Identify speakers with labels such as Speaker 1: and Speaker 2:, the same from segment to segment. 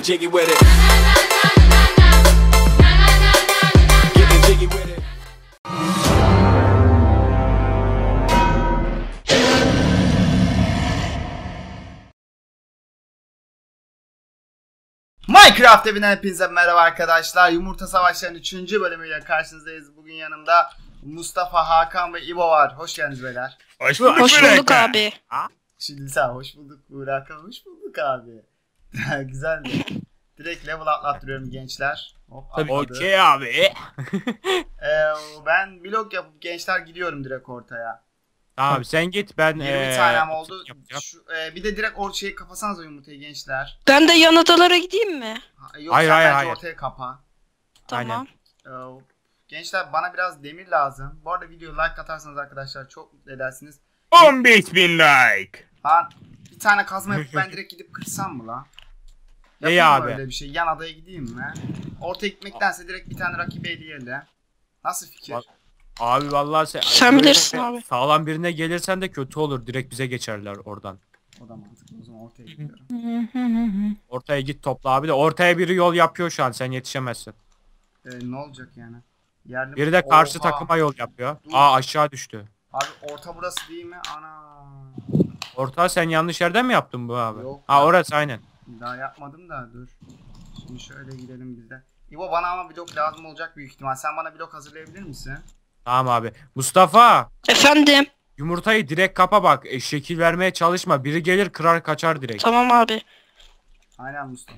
Speaker 1: Getting jiggy with it. Getting jiggy with it.
Speaker 2: Minecraft evinden hepinize merhaba arkadaşlar. Yumurta Savaşları'nın 3. bölümüyle karşınızdayız. Bugün yanımda Mustafa, Hakan ve İbo var. Hoş geldiniz beyler.
Speaker 3: Hoş bulduk,
Speaker 4: abi.
Speaker 2: Şimdi sen hoş bulduk Burak, hoş bulduk abi. Güzeldi. Direkt level atlattırıyorum gençler. Hop,
Speaker 3: Okey abi.
Speaker 2: Ben blok yapıp gençler gidiyorum direkt ortaya.
Speaker 3: Tamam sen git ben
Speaker 2: 20 tanem oldu.
Speaker 3: Yapacağım.
Speaker 2: Bir de direkt ortaya kapasanız o yumurtayı gençler.
Speaker 4: Ben de yan odalara gideyim mi?
Speaker 2: Yok,
Speaker 3: hayır,
Speaker 2: sen bence
Speaker 3: hayır.
Speaker 2: ortaya kapa.
Speaker 4: Tamam.
Speaker 2: Gençler bana biraz demir lazım. Bu arada videoya like atarsanız arkadaşlar çok mutlu edersiniz.
Speaker 3: 15.000 like.
Speaker 2: Lan bir tane kazma yapıp ben direkt gidip kırsam mı lan?
Speaker 3: İyi
Speaker 2: Yapayım mı
Speaker 3: abi.
Speaker 2: öyle bir şey? Yan adaya gideyim mi? Ortaya gitmektense direkt bir tane rakibi eleyelim. Nasıl fikir?
Speaker 3: Abi vallahi
Speaker 4: Sen bilirsin abi.
Speaker 3: Sağlam birine gelirsen de kötü olur. Direkt bize geçerler oradan.
Speaker 2: O da mantıklı. O zaman ortaya gidiyorum.
Speaker 3: Ortaya git topla abi de ortaya biri yol yapıyor şu an sen yetişemezsin.
Speaker 2: Ne olacak yani? Yerli...
Speaker 3: Biri de karşı
Speaker 2: Oha!
Speaker 3: takıma yol yapıyor.
Speaker 2: Dur.
Speaker 3: Aa aşağı düştü.
Speaker 2: Abi orta burası değil mi? Ana.
Speaker 3: Orta sen yanlış yerden mi yaptın bu abi?
Speaker 2: Yok.
Speaker 3: Ha orası aynen.
Speaker 2: Daha yapmadım da dur. Şimdi şöyle gidelim biz de. İbo bana ama blok lazım olacak büyük ihtimal. Sen bana blok hazırlayabilir misin?
Speaker 3: Tamam abi. Mustafa.
Speaker 4: Efendim.
Speaker 3: Yumurtayı direkt kapa bak. Şekil vermeye çalışma. Biri gelir kırar kaçar direkt.
Speaker 4: Tamam abi.
Speaker 2: Aynen Mustafa.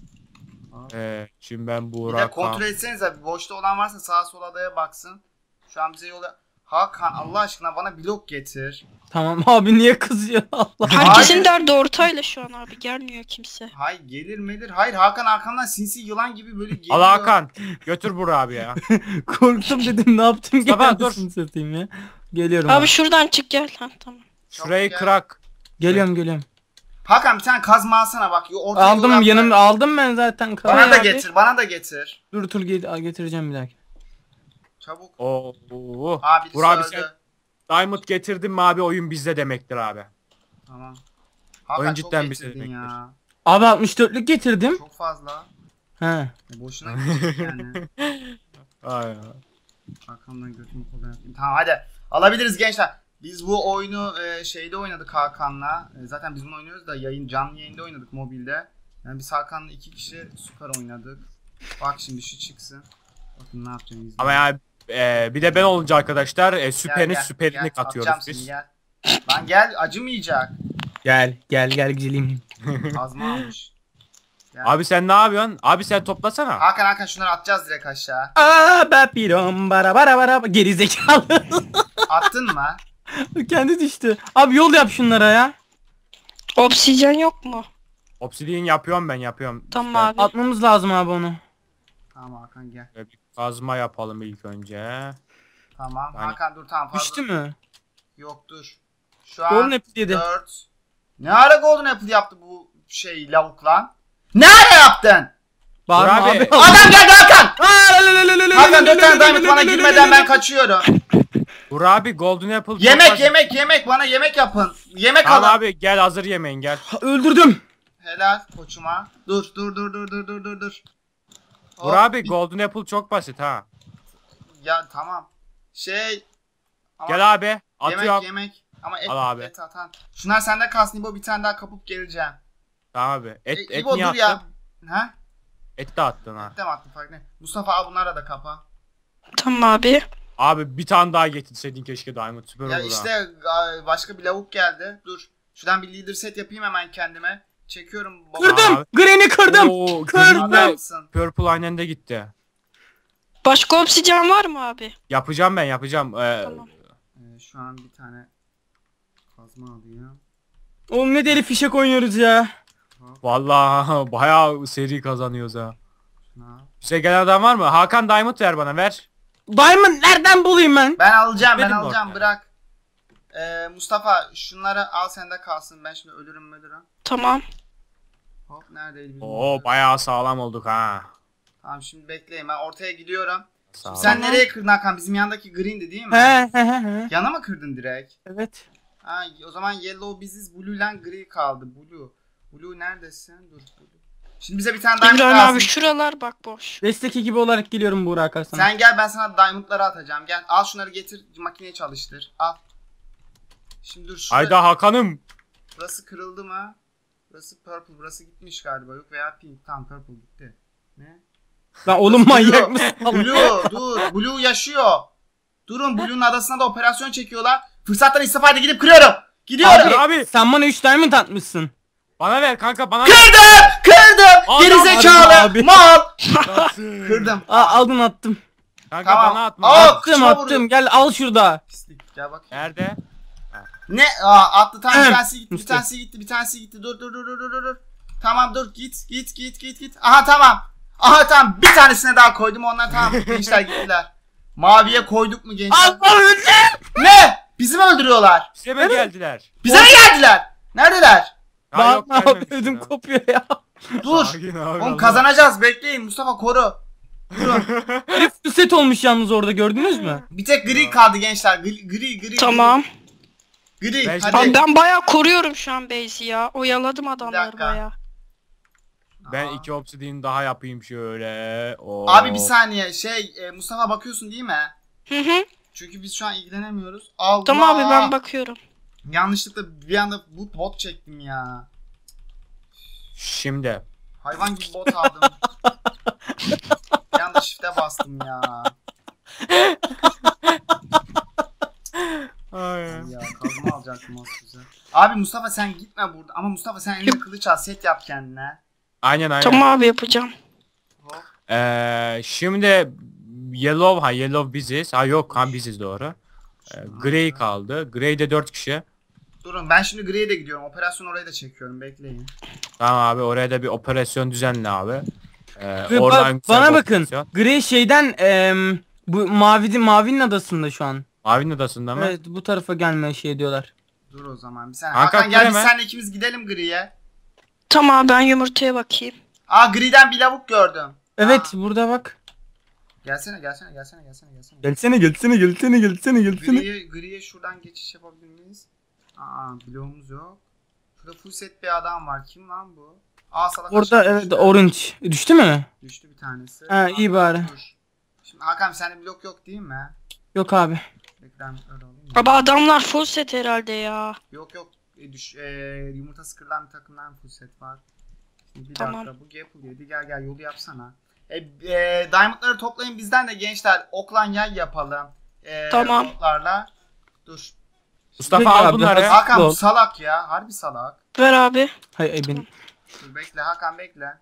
Speaker 3: Şimdi ben
Speaker 2: Bir de
Speaker 3: Burak.
Speaker 2: kontrol etsenize. Boşta olan varsa sağa sola adaya baksın. Şu an bize yola... Hakan Allah aşkına bana blok getir.
Speaker 5: Tamam abi niye kızıyor Allah.
Speaker 4: Herkesin
Speaker 2: Hayır.
Speaker 4: derdi ortayla şu an abi. Gelmiyor kimse.
Speaker 2: Hayır gelir melir. Hayır Hakan arkamdan sinsi yılan gibi böyle geliyor.
Speaker 3: Al Hakan. Götür Burak abi ya.
Speaker 5: Korktum dedim ne yaptım
Speaker 3: Mustafa, dur.
Speaker 5: satayım ya. Geliyorum
Speaker 4: Abi
Speaker 5: abi.
Speaker 4: şuradan çık gel. Ha tamam.
Speaker 3: Şurayı
Speaker 2: gel.
Speaker 3: kırak.
Speaker 5: Geliyorum.
Speaker 2: Hakan bir tane kazma alsana bak. Ortaya
Speaker 5: Aldım
Speaker 2: yol
Speaker 5: yanımda
Speaker 2: yapma.
Speaker 5: aldım ben zaten.
Speaker 2: Bana da
Speaker 5: Abi.
Speaker 2: getir, bana da getir.
Speaker 5: Dur getireceğim bir dakika.
Speaker 2: Çabuk.
Speaker 3: Oo.
Speaker 2: Abi birisi
Speaker 3: Burak abi
Speaker 2: öldü.
Speaker 3: sen Diamond getirdin mi abi oyun bizde demektir abi.
Speaker 2: Tamam. Hakan
Speaker 3: Oyun
Speaker 2: çok
Speaker 3: cidden bize
Speaker 2: getirdin
Speaker 3: demektir.
Speaker 2: ya.
Speaker 5: Abi 64'lük getirdim.
Speaker 2: Çok fazla.
Speaker 5: He.
Speaker 2: Boşuna gidecek yani.
Speaker 3: Ay.
Speaker 2: Hakan'dan götümü kullanayım. Tamam hadi. Alabiliriz gençler. Biz bu oyunu şeyde oynadık Hakan'la. Zaten biz bunu oynuyoruz da canlı yayında oynadık mobilde. Yani biz Hakan'la 2 kişi süper oynadık. Bak şimdi şu çıksın. Bakın ne yapacağım izleyin.
Speaker 3: Ama yani bir de ben olunca arkadaşlar süperini
Speaker 2: Gel,
Speaker 3: süperini
Speaker 2: gel,
Speaker 3: katıyoruz
Speaker 2: atacağım
Speaker 3: biz.
Speaker 2: seni, gel. Lan gel acımayacak.
Speaker 5: Gel güzelim.
Speaker 2: Kazma almış. Gel.
Speaker 3: Abi sen ne yapıyorsun? Abi sen toplasana.
Speaker 2: Hakan şunları atacağız direkt aşağı.
Speaker 5: Aa bapirom bara geri zekalı.
Speaker 2: Attın mı?
Speaker 5: Kendi düştü. Abi yol yap şunlara ya.
Speaker 4: Obsidyen yok mu?
Speaker 3: Obsidian yapıyorum ben yapıyorum.
Speaker 4: Tamam
Speaker 3: İşte,
Speaker 4: abi.
Speaker 5: Atmamız lazım abi onu.
Speaker 2: Tamam Hakan gel.
Speaker 3: bir kazma yapalım ilk önce.
Speaker 2: Tamam
Speaker 3: Yani-
Speaker 2: Hakan dur tamam fazla.
Speaker 5: Düştü mü?
Speaker 2: Yok dur. Şu an
Speaker 5: Golden Apple yedi.
Speaker 2: 4. Ne ara Golden Apple yaptı bu şey lavuk lan? Ne ara yaptın?
Speaker 5: Bağırma
Speaker 3: Burak abi.
Speaker 5: abi.
Speaker 2: Adam geldi Hakan! Hakan 4 tane diamond bana girmeden ben kaçıyorum.
Speaker 3: Burak abi Golden Apple.
Speaker 2: Yemek bana yemek yapın. Yemek
Speaker 3: Tamam
Speaker 2: alın.
Speaker 3: abi gel hazır yemeğin gel.
Speaker 5: Öldürdüm.
Speaker 2: Helal koçuma. Dur. Hop,
Speaker 3: Burak abi
Speaker 2: bir-
Speaker 3: Golden Apple çok basit ha.
Speaker 2: Ya tamam. Şey. Ama
Speaker 3: Gel abi atıyorum.
Speaker 2: yemek. Ama
Speaker 3: Al abi.
Speaker 2: et atan. Şunlar sende kalsın İbo, bir tane daha kapıp geleceğim.
Speaker 3: Tamam abi. Et
Speaker 2: İbo
Speaker 3: niye
Speaker 2: dur ya.
Speaker 3: attın?
Speaker 2: Ha?
Speaker 3: Et de attın ha.
Speaker 2: Ettem attım fark ne? Mustafa al bunlara da kapa.
Speaker 4: Tamam abi.
Speaker 3: Abi bir tane daha getirseydin keşke Diamond süper
Speaker 2: Ya
Speaker 3: olur ha.
Speaker 2: işte başka bir lavuk geldi. Dur. Şuradan bir leader set yapayım hemen kendime. Çekiyorum. baba.
Speaker 5: Kırdım.
Speaker 3: Abi.
Speaker 5: Granny kırdım.
Speaker 3: Oo,
Speaker 5: Kırdım.
Speaker 3: Green'le
Speaker 2: Adamsın.
Speaker 3: Purple aynen de gitti.
Speaker 4: Başka obsidyen var mı abi?
Speaker 3: Yapacağım ben yapacağım.
Speaker 4: Tamam.
Speaker 2: Şu an bir tane kazma alayım.
Speaker 5: Oğlum ne deli fişek oynuyoruz ya.
Speaker 3: Vallahi bayağı seri kazanıyoruz ha.
Speaker 2: Şuna.
Speaker 3: Bize gelen adam var mı? Hakan Diamond ver bana ver.
Speaker 5: Diamond nereden bulayım ben?
Speaker 2: Ben alacağım
Speaker 3: Benim de ortaya.
Speaker 2: bırak. Mustafa şunları al sende kalsın. Ben şimdi ölürüm.
Speaker 4: Tamam.
Speaker 2: Hop neredeydi bizim
Speaker 3: Oo
Speaker 2: orta?
Speaker 3: bayağı sağlam olduk ha.
Speaker 2: Tamam şimdi bekleyin, ben ortaya gidiyorum.
Speaker 3: Sağlam.
Speaker 2: Sen nereye kırdın Hakan? Bizim yandaki green'di değil mi?
Speaker 5: He.
Speaker 2: Yana mı kırdın direkt?
Speaker 5: Evet.
Speaker 2: O zaman yellow biziz, blue ile gri kaldı. Blue neredesin? Dur. Blue. Şimdi bize bir tane diamond
Speaker 4: İbrahim
Speaker 2: lazım.
Speaker 4: abi şuralar bak boş.
Speaker 5: Destek ekibi olarak geliyorum Buğra Akar sana.
Speaker 2: Sen gel, ben sana diamondları atacağım. Gel al şunları, getir makineye çalıştır. Al. Şimdi dur şurada.
Speaker 3: Hayda Hakan'ım.
Speaker 2: Burası kırıldı mı? Burası purple. Burası gitmiş galiba. Yok veya pink. Tamam purple gitti. Ne?
Speaker 5: Lan oğlum manyak mısın?
Speaker 2: Blue dur. Blue yaşıyor. Durun, Blue'nun adasına da operasyon çekiyorlar. Fırsattan istifade gidip kırıyorum. Gidiyorum.
Speaker 3: Abi.
Speaker 5: Sen bana 3 diamond atmışsın.
Speaker 3: Bana ver kanka bana ver.
Speaker 2: Kırdım.
Speaker 3: Adam
Speaker 2: Gerizekalı.
Speaker 5: abi.
Speaker 2: Mal. Kırdım.
Speaker 5: Aldın attım.
Speaker 3: Kanka
Speaker 2: Tamam.
Speaker 3: bana atma.
Speaker 2: Aa,
Speaker 5: Attım
Speaker 2: kıçıma
Speaker 5: attım.
Speaker 2: vuruyor.
Speaker 5: Gel al şurada.
Speaker 2: Pislik. Gel bak.
Speaker 3: Nerede?
Speaker 2: Ne? Aa, attı tam bir
Speaker 5: Evet.
Speaker 2: tanesi gitti. Bir
Speaker 5: Musti.
Speaker 2: tanesi gitti. Bir tanesi gitti. Dur. Tamam dur. Git. Aha tamam. Tamam. Bir tanesine daha koydum. Onlar tamam. Gençler gittiler. Maviye koyduk mu gençler?
Speaker 5: Allah öldü.
Speaker 2: Ne? Bizi mi öldürüyorlar?
Speaker 3: Size mi geldiler?
Speaker 2: Bize mi geldiler? Neredeler?
Speaker 3: Ya yok,
Speaker 5: Bak ne
Speaker 3: gelmemiş
Speaker 5: ödüm
Speaker 3: ya.
Speaker 5: kopuyor ya.
Speaker 2: Dur.
Speaker 3: Sakin abi,
Speaker 2: Oğlum
Speaker 3: Allah.
Speaker 2: kazanacağız. Bekleyin. Mustafa koru. Durun.
Speaker 5: Herif set olmuş yalnız orada gördünüz mü?
Speaker 2: Bir tek gri kaldı gençler. Gri.
Speaker 4: Tamam.
Speaker 2: Gri.
Speaker 3: Ben-
Speaker 2: Hadi.
Speaker 4: Abi ben bayağı koruyorum şu an base'i ya. Oyaladım
Speaker 2: Bir
Speaker 4: adamları
Speaker 2: dakika.
Speaker 4: bayağı.
Speaker 3: Ben
Speaker 2: Aa.
Speaker 3: 2 obsidian daha yapayım şöyle. Oo.
Speaker 2: Abi bir saniye. Mustafa bakıyorsun değil mi?
Speaker 4: Hı.
Speaker 2: Çünkü biz şu an ilgilenemiyoruz. Allah.
Speaker 4: Tamam abi ben bakıyorum.
Speaker 2: Yanlışlıkla bir anda bot çektim ya.
Speaker 3: Şimdi.
Speaker 2: Hayvan gibi bot aldım. Bir anda shift'e bastım ya. Ya kazma alacaktım az güzel. Abi Mustafa sen gitme burada. Ama Mustafa sen elinde kılıç al, set yap kendine.
Speaker 3: Aynen.
Speaker 4: Tamam abi yapacağım.
Speaker 2: Hop.
Speaker 3: Şimdi Yellow biziz. Yok biziz doğru. Grey kaldı. Grey'de 4 kişi.
Speaker 2: Durun ben şimdi griye de gidiyorum. Operasyon oraya da çekiyorum. Bekleyin.
Speaker 3: Tamam abi oraya da bir operasyon düzenle abi. Oradan güzel
Speaker 5: Bana
Speaker 3: bir
Speaker 5: bakın.
Speaker 3: operasyon.
Speaker 5: Gri şeyden bu mavinin adasında şu an.
Speaker 3: Mavinin adasında mı?
Speaker 5: Evet bu tarafa gelmeye şey diyorlar.
Speaker 2: Dur o zaman bir saniye.
Speaker 3: Hakan,
Speaker 2: Hakan gel biz
Speaker 3: hemen.
Speaker 2: seninle ikimiz gidelim griye.
Speaker 4: Tamam ben yumurtaya bakayım.
Speaker 2: Griden bir lavuk gördüm.
Speaker 5: Evet burada bak.
Speaker 2: Gelsene.
Speaker 5: Gelsene.
Speaker 2: Griye şuradan geçiş yapabilir miyiz? Bloğumuz yok. Şurada full set bir adam var. Kim lan bu? Salak
Speaker 5: Orada
Speaker 2: aşağı
Speaker 5: evet
Speaker 2: düştü.
Speaker 5: orange. Düştü mü?
Speaker 2: Düştü bir tanesi.
Speaker 5: Ha, iyi bari.
Speaker 2: Dur. Şimdi Hakan sende blok yok değil mi?
Speaker 5: Yok abi.
Speaker 2: Beklen öyle alayım mı?
Speaker 4: Abi adamlar full set herhalde ya.
Speaker 2: Yok. Yumurtası kırılan bir takımdan full set var. Şimdi bir
Speaker 4: Tamam.
Speaker 2: dakika bu Gapple yedi. Gel yolu yapsana. Diamondları toplayın bizden de gençler. Oklan yay yapalım.
Speaker 4: Tamam.
Speaker 2: Botlarla. Dur.
Speaker 3: Mustafa
Speaker 5: Peki
Speaker 3: al
Speaker 5: abi,
Speaker 3: bunları.
Speaker 5: hadi.
Speaker 2: Hakan bu
Speaker 5: Ol.
Speaker 2: salak ya. Harbi salak.
Speaker 4: Ver abi.
Speaker 5: Hay benim.
Speaker 2: Dur bekle Hakan bekle.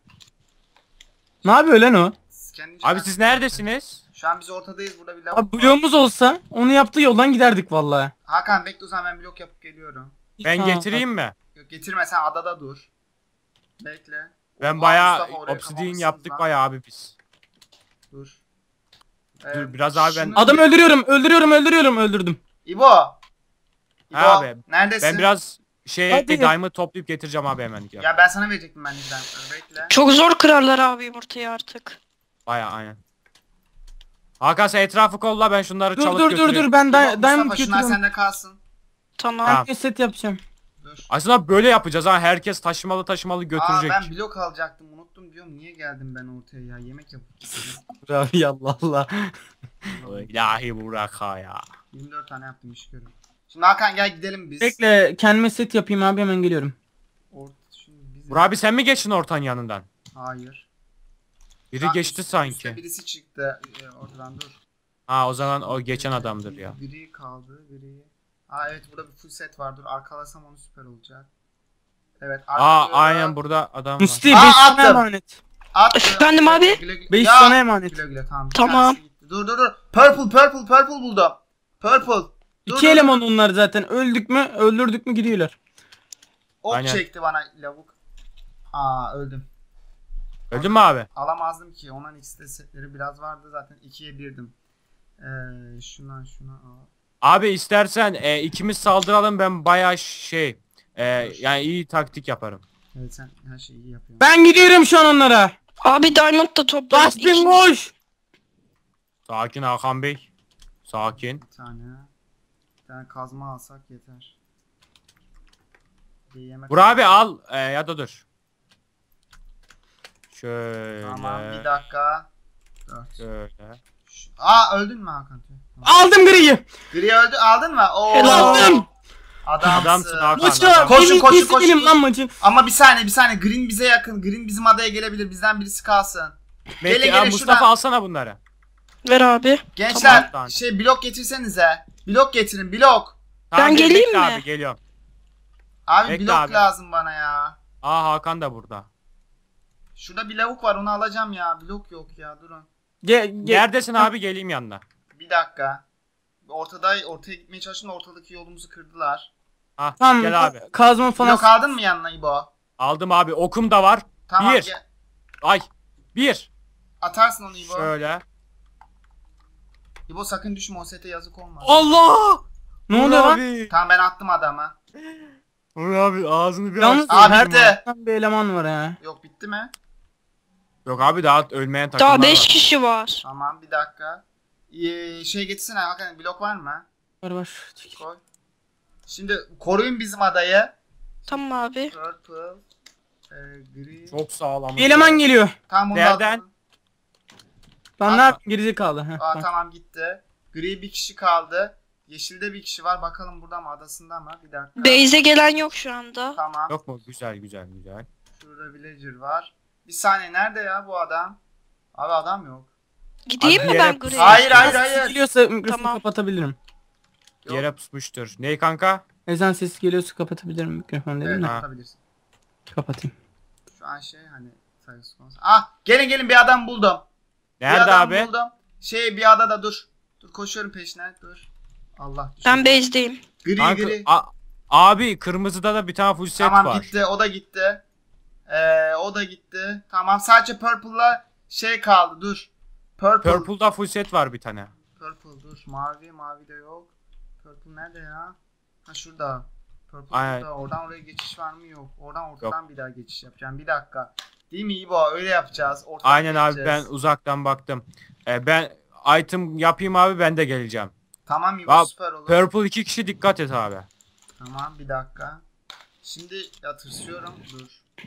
Speaker 5: Ne yapıyor lan o?
Speaker 3: Abi siz neredesiniz?
Speaker 2: Şu an biz ortadayız, burada bir lavuk
Speaker 5: Abi
Speaker 2: var.
Speaker 5: bloğumuz olsa onu yaptığı yoldan giderdik vallahi.
Speaker 2: Hakan bekle o zaman ben blok yapıp geliyorum.
Speaker 3: Ben
Speaker 5: Ha,
Speaker 3: getireyim mi?
Speaker 2: Yok getirme, sen adada dur. Bekle.
Speaker 3: Ben bayağı
Speaker 2: Mustafa, oraya
Speaker 3: obsidian
Speaker 2: kapamışsınız
Speaker 3: yaptık
Speaker 2: lan.
Speaker 3: bayağı abi biz.
Speaker 2: Dur.
Speaker 3: Dur, biraz abi ben-
Speaker 5: Adam öldürdüm.
Speaker 2: İbo. İbo
Speaker 3: Abi,
Speaker 2: neredesin?
Speaker 3: Ben biraz
Speaker 5: Hadi.
Speaker 3: diamond toplayıp getireceğim abi hemen.
Speaker 2: Ya ben sana verecektim ben de. Bekle.
Speaker 4: Çok zor kırarlar abi yumurtayı artık.
Speaker 3: Bayağı aynen. Hakan sen etrafı kolla ben şunları çalıp
Speaker 5: Dur
Speaker 3: götürüyorum.
Speaker 5: ben
Speaker 2: İbo,
Speaker 5: diamond
Speaker 2: Mustafa şunlar
Speaker 5: götürüyorum.
Speaker 2: sende kalsın.
Speaker 4: Tamam.
Speaker 3: Tamam.
Speaker 5: Ben set yapacağım.
Speaker 2: Dur.
Speaker 3: Aslında böyle yapacağız ha. Herkes taşımalı götürecek.
Speaker 2: Ben blok alacaktım, unuttum diyorum. Niye geldim ben ortaya ya? Yemek yapıp
Speaker 5: Abi Allah Allah.
Speaker 3: İlahi Burak ha ya.
Speaker 2: 24 tane yaptım iş görün. Şimdi Hakan gel gidelim biz.
Speaker 5: Bekle kendime set yapayım abi hemen geliyorum.
Speaker 2: Şimdi biz...
Speaker 3: Burak abi sen mi geçtin ortanın yanından?
Speaker 2: Hayır.
Speaker 3: Biri
Speaker 2: Lan
Speaker 3: geçti
Speaker 2: üstte
Speaker 3: sanki.
Speaker 2: birisi çıktı ortadan, dur.
Speaker 3: Ha o zaman o geçen adamdır ya.
Speaker 2: Gri kaldı, gri. Evet burada bir full set var, dur arkalasam onu süper olacak. Evet arkalıyorum.
Speaker 3: Aynen burada adam var.
Speaker 5: Musti 5
Speaker 2: Aa,
Speaker 5: sana
Speaker 2: attım.
Speaker 5: emanet.
Speaker 4: Efendim abi?
Speaker 5: 5
Speaker 2: Ya,
Speaker 5: sana emanet.
Speaker 2: Güle tamam. bir
Speaker 4: Tamam.
Speaker 2: tanesi gitti. Dur. Purple buldum. Purple. Dur,
Speaker 5: 2 eleman onlar zaten. Öldürdük mü gidiyorlar.
Speaker 2: Ok
Speaker 3: Aynen.
Speaker 2: çekti bana lavuk. Öldüm.
Speaker 3: Öldün mü abi?
Speaker 2: Alamazdım ki. Onların ikisi de setleri biraz vardı zaten. 2'ye 1'dim. Şuna al.
Speaker 3: Abi istersen ikimiz saldıralım ben bayağı yani iyi taktik yaparım.
Speaker 2: Evet sen her şeyi iyi yapıyorsun.
Speaker 5: Ben gidiyorum şu an onlara.
Speaker 4: Abi diamond da topla.
Speaker 5: Dustin koş.
Speaker 3: Sakin Hakan Bey. Sakin.
Speaker 2: Bir tane kazma alsak yeter. Bir yemek
Speaker 3: Burak abi al ya da dur. Şöyle.
Speaker 2: Tamam bir dakika. 4.
Speaker 3: Şöyle.
Speaker 2: Öldün mü Hakan?
Speaker 5: Aldım griyi.
Speaker 2: Gri öldü aldın mı? Oo.
Speaker 5: Aldım.
Speaker 2: Adamsın.
Speaker 3: Hakan.
Speaker 5: Maçı.
Speaker 3: adam.
Speaker 2: Koşun, koşun, koşun.
Speaker 5: Benim lan maçı.
Speaker 2: Ama bir saniye. Green bize yakın. Green bizim adaya gelebilir. Bizden birisi kalsın.
Speaker 3: Bekle,
Speaker 2: Gelin,
Speaker 3: ya
Speaker 2: gelin,
Speaker 3: Mustafa
Speaker 2: şuradan.
Speaker 3: alsana bunları.
Speaker 4: Ver abi.
Speaker 2: Gençler
Speaker 3: Tamam.
Speaker 2: blok getirsenize. Blok getirin blok.
Speaker 3: Tamam,
Speaker 4: geleyim
Speaker 3: bekle
Speaker 4: mi?
Speaker 3: Abi geliyorum.
Speaker 2: Abi
Speaker 3: Bekle
Speaker 2: blok
Speaker 3: abi.
Speaker 2: lazım bana ya.
Speaker 3: Hakan da burada.
Speaker 2: Şurada bir lavuk var onu alacağım ya. Blok yok ya durun.
Speaker 3: Neredesin abi, geleyim yanına.
Speaker 2: Bir dakika. Ortaya gitmeye çalıştım da ortadaki yolumuzu kırdılar.
Speaker 5: Tamam.
Speaker 3: Gel abi.
Speaker 5: Kazma falan.
Speaker 2: Blok aldın mı yanına İbo?
Speaker 3: Aldım abi, okum da var.
Speaker 2: Tamam
Speaker 3: Bir.
Speaker 2: gel.
Speaker 3: Ay. Bir.
Speaker 2: Atarsın onu İbo.
Speaker 3: Şöyle.
Speaker 2: İbo sakın düşme o sete yazık olmaz.
Speaker 3: Allah!
Speaker 5: Ne oluyor lan?
Speaker 3: Abi.
Speaker 2: Tamam ben attım adama.
Speaker 3: Uğur abi ağzını bir
Speaker 5: Yalnız
Speaker 3: aç.
Speaker 2: Abi
Speaker 5: her
Speaker 2: bitti.
Speaker 5: bir eleman var ha.
Speaker 2: Yok bitti mi?
Speaker 3: Yok abi, daha ölmeyen takımlar
Speaker 4: Daha 5
Speaker 3: var.
Speaker 4: kişi var.
Speaker 2: Tamam bir dakika. Getirsene Hakan blok var mı?
Speaker 5: Var.
Speaker 2: Koy. Şimdi koruyun bizim adayı.
Speaker 4: Tamam abi.
Speaker 2: Purple. Green.
Speaker 3: Çok sağlam.
Speaker 5: Bir eleman geliyor.
Speaker 2: Tamam bunu
Speaker 3: Nereden?
Speaker 2: attım.
Speaker 5: Lan ne yapayım, gerizekalı.
Speaker 2: Tamam gitti. Gri bir kişi kaldı. Yeşilde bir kişi var. Bakalım burada mı adasında mı? Bir dakika.
Speaker 4: Base'e gelen yok şu anda.
Speaker 2: Tamam.
Speaker 3: Yok mu? Güzel güzel güzel.
Speaker 2: Şurada villager var. Bir saniye nerede ya bu adam? Abi adam yok.
Speaker 4: Gideyim
Speaker 3: Abi
Speaker 4: mi
Speaker 3: bir
Speaker 4: ben
Speaker 3: yere-
Speaker 4: Grey'e?
Speaker 2: Hayır, hayır,
Speaker 5: Sesi
Speaker 2: hayır.
Speaker 5: geliyorsa mikrofonu
Speaker 4: Tamam.
Speaker 5: kapatabilirim.
Speaker 2: Yok.
Speaker 3: Yere pusmuştur. Ney kanka?
Speaker 5: Ezan sesi geliyorsa kapatabilirim mikrofonu dedim
Speaker 2: Evet,
Speaker 5: de.
Speaker 3: Ha.
Speaker 2: atabilirsin.
Speaker 5: Kapatayım.
Speaker 2: Şu an hani sayısı konusunda. Gelin bir adam buldum.
Speaker 3: Nerede
Speaker 2: bir adam
Speaker 3: abi?
Speaker 2: buldum. Bir adada dur. Dur koşuyorum peşine. Dur. Allah düşürdü.
Speaker 4: Ben base'deyim.
Speaker 3: Kanka,
Speaker 2: Gri.
Speaker 3: abi kırmızıda da bir tane full set
Speaker 2: Tamam
Speaker 3: var.
Speaker 2: gitti. O da gitti. O da gitti. Tamam sadece purple'la kaldı. Dur. Purple.
Speaker 3: Purple'da full set var bir tane.
Speaker 2: Purple dur. Mavi de yok. Purple nerede ya? Ha şurada. Purple
Speaker 3: Aynen.
Speaker 2: burada. Oradan oraya geçiş var mı? Yok. Oradan ortadan bir daha geçiş yapacağım. Bir dakika. Değil mi İbo? Öyle yapacağız. Ortadan
Speaker 3: Aynen abi,
Speaker 2: geçeceğiz.
Speaker 3: ben uzaktan baktım. Ben item yapayım abi, ben de geleceğim.
Speaker 2: Tamam İbo
Speaker 3: Abi,
Speaker 2: süper olur.
Speaker 3: Purple 2 kişi, dikkat et abi.
Speaker 2: Tamam bir dakika. Şimdi tırsıyorum. Dur.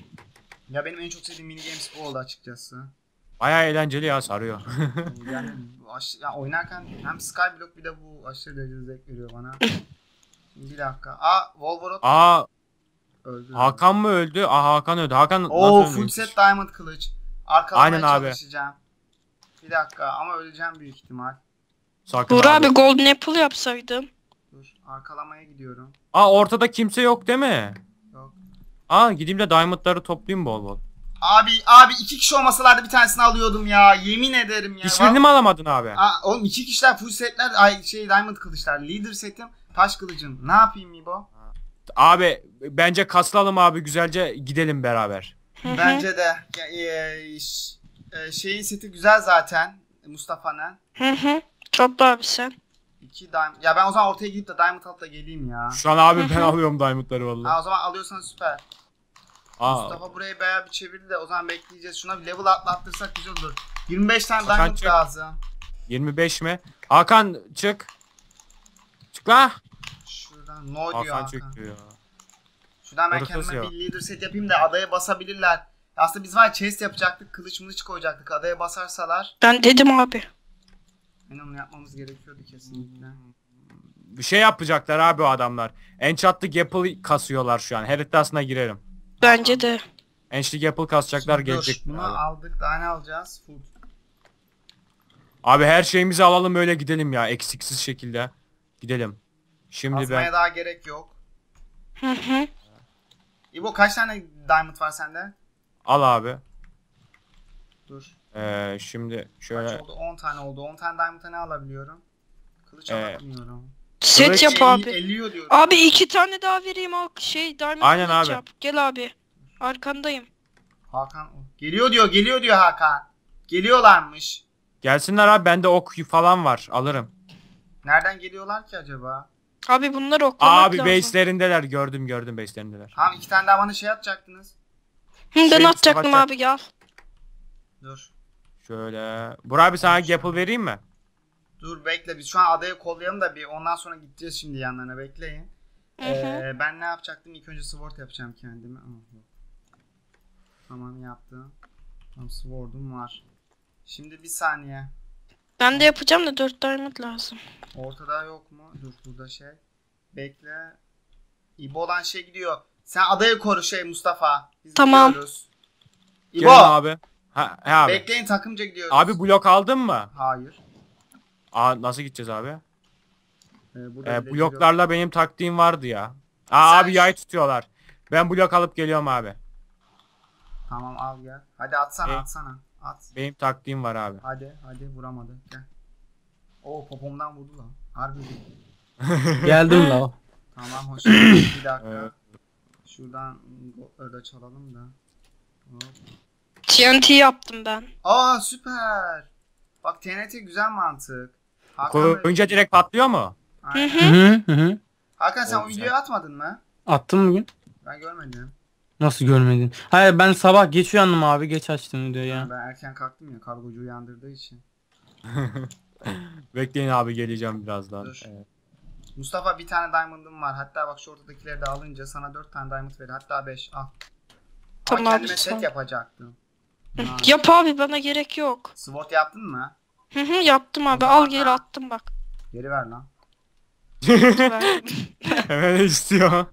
Speaker 2: Ya benim en çok sevdiğim mini games bu oldu açıkçası.
Speaker 3: Baya eğlenceli ya, sarıyor.
Speaker 2: Yani oynarken hem Skyblock bir de bu aşırı derecede zevk veriyor bana. Şimdi bir dakika. Wolverot
Speaker 3: Aa,
Speaker 2: öldü.
Speaker 3: Hakan mı öldü? Hakan öldü. Hakan
Speaker 2: Oo
Speaker 3: nasıl
Speaker 2: full
Speaker 3: ölmüş?
Speaker 2: set diamond kılıç. Arkalamaya
Speaker 3: Aynen abi.
Speaker 2: çalışacağım. Bir dakika ama öleceğim büyük ihtimal.
Speaker 3: Sakın
Speaker 4: Uğur abi Golden Apple yapsaydım.
Speaker 2: Dur arkalamaya gidiyorum.
Speaker 3: Ortada kimse yok değil mi?
Speaker 2: Yok.
Speaker 3: Gideyim de diamondları toplayayım bol bol.
Speaker 2: Abi 2 kişi olmasalardı bir tanesini alıyordum ya. Yemin ederim ya.
Speaker 3: Hiçbirini mi alamadın abi?
Speaker 2: Oğlum 2 kişiler full setler diamond kılıçlar. Leader setim taş kılıcım. Ne yapayım İbo?
Speaker 3: Abi bence kaslalım abi, güzelce gidelim beraber.
Speaker 2: Bence de şeyin seti güzel zaten Mustafa'nın.
Speaker 4: Topla abi sen.
Speaker 2: 2 diamond. Ya ben o zaman ortaya gidip de diamond alıp da geleyim ya.
Speaker 3: Şu an abi ben alıyorum diamondları vallahi.
Speaker 2: O zaman alıyorsan süper. Mustafa burayı bayağı bir çevirdi de o zaman bekleyeceğiz. Şuna bir level atlattırsak güzel olur. 25 tane
Speaker 3: Hakan
Speaker 2: diamond
Speaker 3: çık.
Speaker 2: lazım.
Speaker 3: 25 mi? Hakan çık. Çık la.
Speaker 2: Şuradan no diyor
Speaker 3: Hakan
Speaker 2: Hakan.
Speaker 3: çıktı ya.
Speaker 2: Şuradan ben
Speaker 3: Orası
Speaker 2: kendime
Speaker 3: ya.
Speaker 2: bir leader set yapayım da adaya basabilirler. Aslında biz var ya chest yapacaktık, kılıç mılıç koyacaktık. Adaya basarsalar
Speaker 4: Ben dedim abi.
Speaker 2: yani onu yapmamız gerekiyordu kesinlikle.
Speaker 3: Bir şey yapacaklar abi o adamlar. Enchantlı Gapple kasıyorlar şu an. Heritas'ına girerim.
Speaker 4: Bence de.
Speaker 3: Enchantlı Gapple kasacaklar,
Speaker 2: Dur,
Speaker 3: gelecek.
Speaker 2: bunu aldık, daha ne alacağız? Food.
Speaker 3: Abi her şeyimizi alalım, öyle gidelim ya, eksiksiz şekilde. Gidelim. Şimdi
Speaker 2: Basmaya
Speaker 3: ben
Speaker 2: daha gerek yok.
Speaker 4: Hı hı.
Speaker 2: İbo kaç tane diamond var sende?
Speaker 3: al abi.
Speaker 2: Dur.
Speaker 3: Şimdi
Speaker 2: Kaç
Speaker 3: şöyle
Speaker 2: oldu? 10 tane oldu. 10 tane diamond'a ne alabiliyorum? Kılıç alamıyorum.
Speaker 4: Set
Speaker 3: Kılıç
Speaker 4: yap abi.
Speaker 2: 50 diyorum.
Speaker 4: Abi 2 tane daha vereyim al Diamond
Speaker 3: Aynen
Speaker 4: kılıç
Speaker 3: abi.
Speaker 4: yap. Gel abi. Arkandayım.
Speaker 2: Hakan geliyor diyor Hakan. Geliyorlarmış.
Speaker 3: gelsinler abi, bende ok falan var, alırım.
Speaker 2: Nereden geliyorlar ki acaba?
Speaker 4: Abi bunları oklamak
Speaker 3: Abi
Speaker 4: lazım.
Speaker 3: base'lerindeler, gördüm base'lerindeler.
Speaker 2: Tamam 2 tane daha bana atacaktınız.
Speaker 4: Ben
Speaker 3: Şey,
Speaker 4: atacaktım
Speaker 3: savaşacak.
Speaker 4: abi gel.
Speaker 2: Dur.
Speaker 3: Şöyle. Burak abi sana Gapple vereyim mi?
Speaker 2: Dur bekle biz şu an adayı kollayalım da bir ondan sonra gideceğiz şimdi yanlarına bekleyin.
Speaker 4: Hı hı.
Speaker 2: Ben ne yapacaktım? İlk önce sword yapacağım kendime. Yok. Tamam yaptım. Tamam, sword'um var. Şimdi bir saniye.
Speaker 4: Ben de yapacağım da 4 diamond lazım.
Speaker 2: Ortada yok mu? Dur burada şey. Bekle. İbo olan şey gidiyor. Sen adayı koru şey Mustafa. Biz
Speaker 4: Tamam.
Speaker 2: gidiyoruz.
Speaker 3: Gelin
Speaker 2: İbo.
Speaker 3: abi. He abi.
Speaker 2: Bekleyin, takımca gidiyoruz.
Speaker 3: Abi blok aldın mı?
Speaker 2: Hayır.
Speaker 3: Nasıl gideceğiz abi?
Speaker 2: Burada bile
Speaker 3: Bloklarla benim taktiğim vardı ya.
Speaker 2: Sen
Speaker 3: Abi yay tutuyorlar. Ben blok alıp geliyorum abi.
Speaker 2: giriyor. Tamam al gel. Hadi atsana
Speaker 3: E?
Speaker 2: atsana. At.
Speaker 3: Benim taktiğim var abi.
Speaker 2: Hadi vuramadı. Gel. Oo popomdan vurdu lan. Harbi vurdu.
Speaker 5: Geldim la.
Speaker 2: Tamam hoş geldin. Bir dakika.
Speaker 3: Evet.
Speaker 2: Şuradan orada çalalım da. Hop.
Speaker 4: TNT yaptım ben.
Speaker 2: Aa süper. Bak TNT güzel mantık. Hakan,
Speaker 3: Koyunca direkt patlıyor mu?
Speaker 2: Aynen.
Speaker 5: Hı.
Speaker 2: Hakan sen
Speaker 3: O
Speaker 2: o
Speaker 3: güzel.
Speaker 2: videoyu atmadın mı?
Speaker 5: Attım bugün.
Speaker 2: Ben görmedim.
Speaker 5: Nasıl görmedin? Hayır ben sabah geç uyandım abi. Geç açtım videoyu ya.
Speaker 2: Ben erken kalktım ya, kargocu uyandırdığı için.
Speaker 3: Bekleyin abi, geleceğim birazdan.
Speaker 2: Dur.
Speaker 3: Evet.
Speaker 2: Mustafa bir tane diamond'ım var. Hatta bak şu ortadakileri de alınca sana 4 tane diamond verir. Hatta 5 al.
Speaker 4: Tamam
Speaker 2: Ama
Speaker 4: abi,
Speaker 2: kendime
Speaker 4: sağ ol.
Speaker 2: set yapacaktım.
Speaker 4: Hı,
Speaker 2: Ha.
Speaker 4: Yap abi, bana gerek yok.
Speaker 2: SWOT yaptın mı?
Speaker 4: Yaptım abi, al geri attım bak.
Speaker 2: Geri ver lan.
Speaker 4: Verdim.
Speaker 3: Hemen istiyor.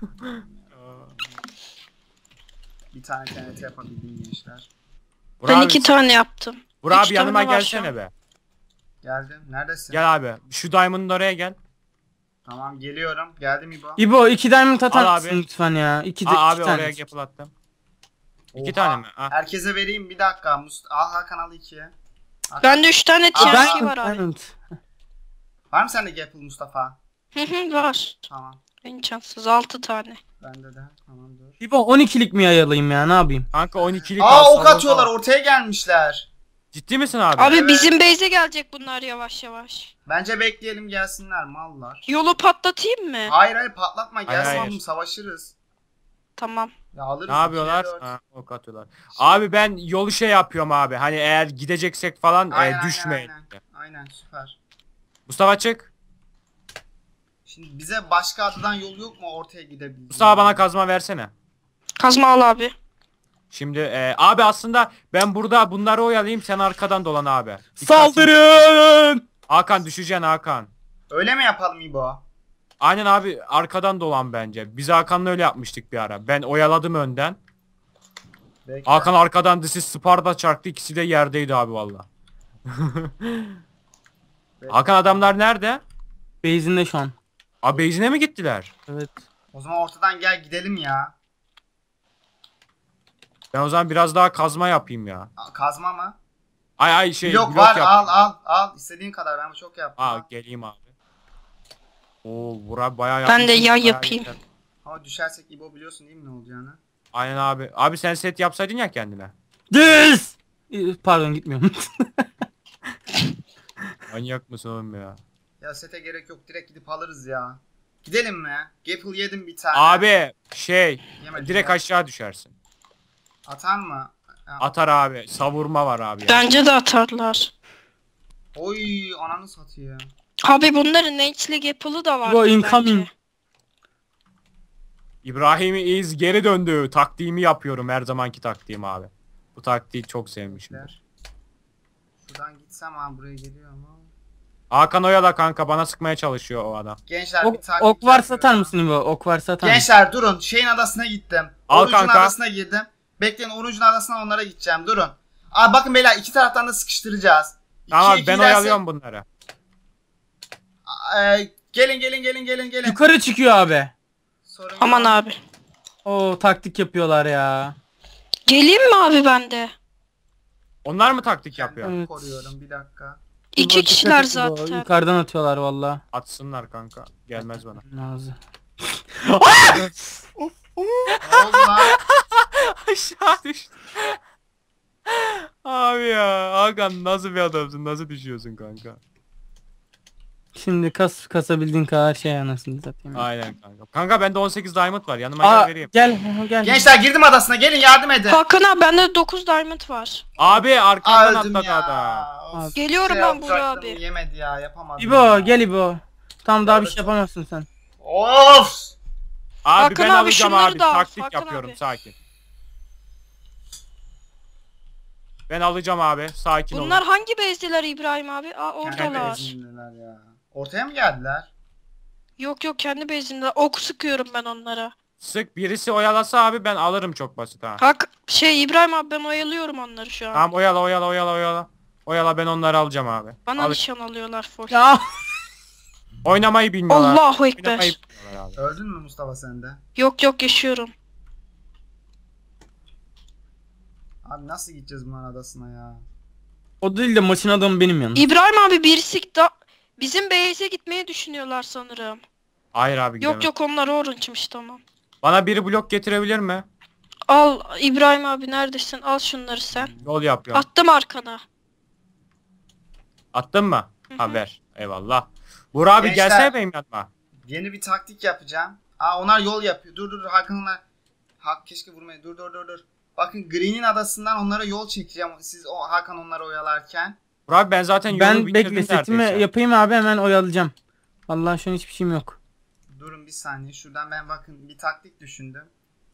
Speaker 2: Bir tane TNT yapabildim gençler.
Speaker 3: Burak
Speaker 4: Ben
Speaker 3: abi,
Speaker 4: 2 tane yaptım.
Speaker 3: Burak
Speaker 4: üç
Speaker 3: abi yanıma
Speaker 4: tane var şu
Speaker 3: gelsene
Speaker 4: an.
Speaker 3: be.
Speaker 2: Geldim. Neredesin?
Speaker 3: Gel abi. Şu diamond'ın oraya gel.
Speaker 2: Tamam geliyorum. Geldim İbo.
Speaker 5: İbo 2 diamond atar
Speaker 3: Al
Speaker 5: mısın
Speaker 3: abi.
Speaker 5: lütfen ya? 2
Speaker 3: Abi
Speaker 5: tane.
Speaker 3: oraya yapıl attım. 2
Speaker 2: Oha.
Speaker 3: tane mi? Ha.
Speaker 2: Herkese vereyim bir dakika. Al Hakan al 2'ye.
Speaker 4: Bende 3 tane
Speaker 2: Aa,
Speaker 4: TNT var abi.
Speaker 5: Diamond.
Speaker 2: Var mı sende Gapple Mustafa?
Speaker 4: Var.
Speaker 2: Tamam.
Speaker 4: En şanssız 6 tane.
Speaker 2: Bende de. Tamam dur.
Speaker 5: İbo 12'lik mi yayalayayım ya, ne yapayım?
Speaker 3: Kanka 12'lik
Speaker 2: Aa
Speaker 3: alsam
Speaker 2: ok atıyorlar.
Speaker 3: olsa-
Speaker 2: Ortaya gelmişler.
Speaker 3: Ciddi misin abi?
Speaker 4: Abi
Speaker 2: Evet.
Speaker 4: bizim base'e gelecek bunlar yavaş yavaş.
Speaker 2: Bence bekleyelim gelsinler mallar.
Speaker 4: Yolu patlatayım mı?
Speaker 2: Hayır patlatma gel
Speaker 3: Hayır.
Speaker 2: sandım savaşırız.
Speaker 4: Tamam.
Speaker 2: Ya alırız.
Speaker 3: Ne yapıyorlar?
Speaker 2: 2'ye 4.
Speaker 3: Ha, ok atıyorlar. Abi ben yolu şey yapıyorum abi. Hani eğer gideceksek falan
Speaker 2: Aynen,
Speaker 3: düşmeyin.
Speaker 2: Aynen süper.
Speaker 3: Mustafa çık.
Speaker 2: Şimdi bize başka adadan yol yok mu ortaya gidebiliriz?
Speaker 3: Mustafa bana kazma versene.
Speaker 4: Kazma al abi.
Speaker 3: Şimdi abi aslında ben burada bunları oyalayayım, sen arkadan dolan abi.
Speaker 5: Saldırın!
Speaker 3: Hakan düşeceksin Hakan.
Speaker 2: Öyle mi yapalım İbo?
Speaker 3: Aynen abi, arkadan dolan bence. Biz Hakan'la öyle yapmıştık bir ara. Ben oyaladım önden.
Speaker 2: Bekle.
Speaker 3: Hakan arkadan disi Sparta çarptı, ikisi de yerdeydi abi valla. Hakan adamlar nerede?
Speaker 5: Base'inde şu an.
Speaker 3: Abi base'ine mi gittiler?
Speaker 5: Evet.
Speaker 2: O zaman ortadan gel gidelim ya.
Speaker 3: Ben o zaman biraz daha kazma yapayım ya.
Speaker 2: Kazma mı?
Speaker 3: Ay şey
Speaker 2: Blok
Speaker 3: blok
Speaker 2: var
Speaker 3: yap.
Speaker 2: al. İstediğin kadar ben çok yaptım.
Speaker 3: Aa
Speaker 2: Al.
Speaker 3: geleyim abi. Oo bura bayağı
Speaker 4: Ben de
Speaker 3: yapmışsın,
Speaker 4: yay
Speaker 3: bayağı
Speaker 4: yapayım.
Speaker 3: yeter.
Speaker 2: Ama düşersek İbo biliyorsun değil mi ne olacağını?
Speaker 3: Aynen abi. Abi sen set yapsaydın ya kendine.
Speaker 5: Düz! Pardon gitmiyorum.
Speaker 3: Manyak mısın oğlum ya?
Speaker 2: Ya sete gerek yok, direkt gidip alırız ya. Gidelim mi? Gapple yedim bir tane.
Speaker 3: Abi şey
Speaker 2: Yemedim
Speaker 3: direkt
Speaker 2: ya.
Speaker 3: aşağı düşersin.
Speaker 2: Atar mı? Ha.
Speaker 3: Atar abi. Savurma var abi ya.
Speaker 4: Bence de atarlar.
Speaker 2: Oy ananı satayım.
Speaker 4: Abi bunların Nate'li Apple'ı da var.
Speaker 5: İbo incoming.
Speaker 3: İbrahim İz geri döndü. Taktiğimi yapıyorum, her zamanki taktiğim abi. Bu taktiği çok sevmişim.
Speaker 2: Bekler. Şuradan gitsem ha buraya geliyor ama.
Speaker 3: Hakan oyala kanka, bana sıkmaya çalışıyor o adam.
Speaker 2: Gençler
Speaker 5: Ok,
Speaker 2: bir taktik
Speaker 5: ok var
Speaker 2: yapıyorum.
Speaker 5: satar mısın İbo? Ok var satar mısın?
Speaker 2: Gençler durun. Şeyin adasına gittim.
Speaker 3: Al
Speaker 2: Orucun
Speaker 3: kanka.
Speaker 2: adasına girdim. Bekleyin Orucun adasına onlara gideceğim. Durun. Aa bakın beyler iki taraftan da sıkıştıracağız.
Speaker 3: Tamam
Speaker 2: İki
Speaker 3: ben
Speaker 2: giderse-
Speaker 3: oyalıyorum bunları.
Speaker 2: Gelin.
Speaker 5: Yukarı çıkıyor abi.
Speaker 2: Sorun
Speaker 4: Aman
Speaker 2: yok.
Speaker 4: abi.
Speaker 5: Oo taktik yapıyorlar ya.
Speaker 4: Geleyim mi abi ben de?
Speaker 3: Onlar mı taktik
Speaker 2: Kendimi
Speaker 3: yapıyor?
Speaker 5: Evet.
Speaker 2: koruyorum bir dakika.
Speaker 4: İki
Speaker 5: İbo, dikkat
Speaker 4: kişiler
Speaker 5: et İbo,
Speaker 4: zaten.
Speaker 5: Yukarıdan atıyorlar valla.
Speaker 3: Atsınlar kanka. Gelmez bana.
Speaker 5: Nazı.
Speaker 2: Ne oldu lan?
Speaker 3: Aşağı düştü. Abi ya Hakan nasıl bir adamsın, nasıl düşüyorsun kanka?
Speaker 5: Şimdi kasabildiğin kadar şey anasını satayım.
Speaker 3: Aynen kanka. Kanka bende 18 diamond var, yanıma
Speaker 5: Aa,
Speaker 3: gel vereyim.
Speaker 5: gel.
Speaker 2: Gençler girdim adasına, gelin yardım edin.
Speaker 4: Hakan abi bende 9 diamond var.
Speaker 3: Abi
Speaker 2: Aa,
Speaker 3: arkandan
Speaker 2: öldüm
Speaker 3: atladı
Speaker 2: ya.
Speaker 3: adam.
Speaker 2: Of,
Speaker 4: Geliyorum
Speaker 2: şey
Speaker 4: ben Burak
Speaker 2: yapacaktım,
Speaker 4: abi.
Speaker 2: Yemedi ya, yapamadım.
Speaker 5: İbo
Speaker 2: ya.
Speaker 5: gel İbo. Tam daha bir
Speaker 2: Evet.
Speaker 5: şey yapamazsın sen.
Speaker 2: Of!
Speaker 3: Abi
Speaker 4: Hakan
Speaker 3: ben
Speaker 4: abi,
Speaker 3: alacağım
Speaker 4: şunları
Speaker 3: abi.
Speaker 4: da al,
Speaker 3: Taktik
Speaker 4: Hakan
Speaker 3: yapıyorum,
Speaker 4: abi.
Speaker 3: sakin. Ben alacağım abi. Sakin olun.
Speaker 4: Bunlar hangi bezdeler İbrahim abi? Aa
Speaker 2: Kendi
Speaker 4: oradalar.
Speaker 2: benzinliler ya. Ortaya mı geldiler?
Speaker 4: Yok yok kendi bezimde. Ok sıkıyorum ben onlara.
Speaker 3: Sık birisi oyalasa abi ben alırım çok basit ha.
Speaker 4: Hak şey İbrahim abi ben oyalıyorum onları şu an.
Speaker 3: Tamam oyala. Oyala ben onları alacağım abi.
Speaker 4: Bana
Speaker 3: Al-
Speaker 4: nişan alıyorlar full.
Speaker 5: Ya
Speaker 3: Oynamayı bilmiyorlar.
Speaker 4: Allahu
Speaker 3: Oynamayı
Speaker 4: ekber.
Speaker 3: bilmiyorlar abi.
Speaker 2: Öldün mü Mustafa sen de?
Speaker 4: Yok yok yaşıyorum.
Speaker 2: Abi nasıl gideceğiz bunların adasına ya?
Speaker 5: o değil de maçın adamı benim yanım.
Speaker 4: İbrahim abi birisi da bizim base'e gitmeyi düşünüyorlar sanırım.
Speaker 3: Hayır abi gidemem.
Speaker 4: Yok yok onlar orange'mış tamam.
Speaker 3: Bana biri blok getirebilir mi?
Speaker 4: Al İbrahim abi neredesin? Al şunları sen.
Speaker 3: Yol yapıyorum.
Speaker 4: Attım arkana.
Speaker 3: Attın mı?
Speaker 4: Hı hı.
Speaker 3: Ha ver. Eyvallah. Burak abi
Speaker 2: Gençler.
Speaker 3: gelsene benim yanıma.
Speaker 2: Yeni bir taktik yapacağım. Aa onlar yol yapıyor. Dur Hakan'la. Keşke vurmayın. Dur. Bakın Green'in adasından onlara yol çekeceğim. Siz o Hakan onları oyalarken.
Speaker 3: Burak abi ben zaten yolu
Speaker 5: Ben
Speaker 3: bitirdim
Speaker 5: bekle setimi
Speaker 3: neredeyse.
Speaker 5: yapayım abi hemen oyalayacağım. Allah şu an hiçbir şeyim yok.
Speaker 2: Durun bir saniye. Şuradan ben bakın bir taktik düşündüm.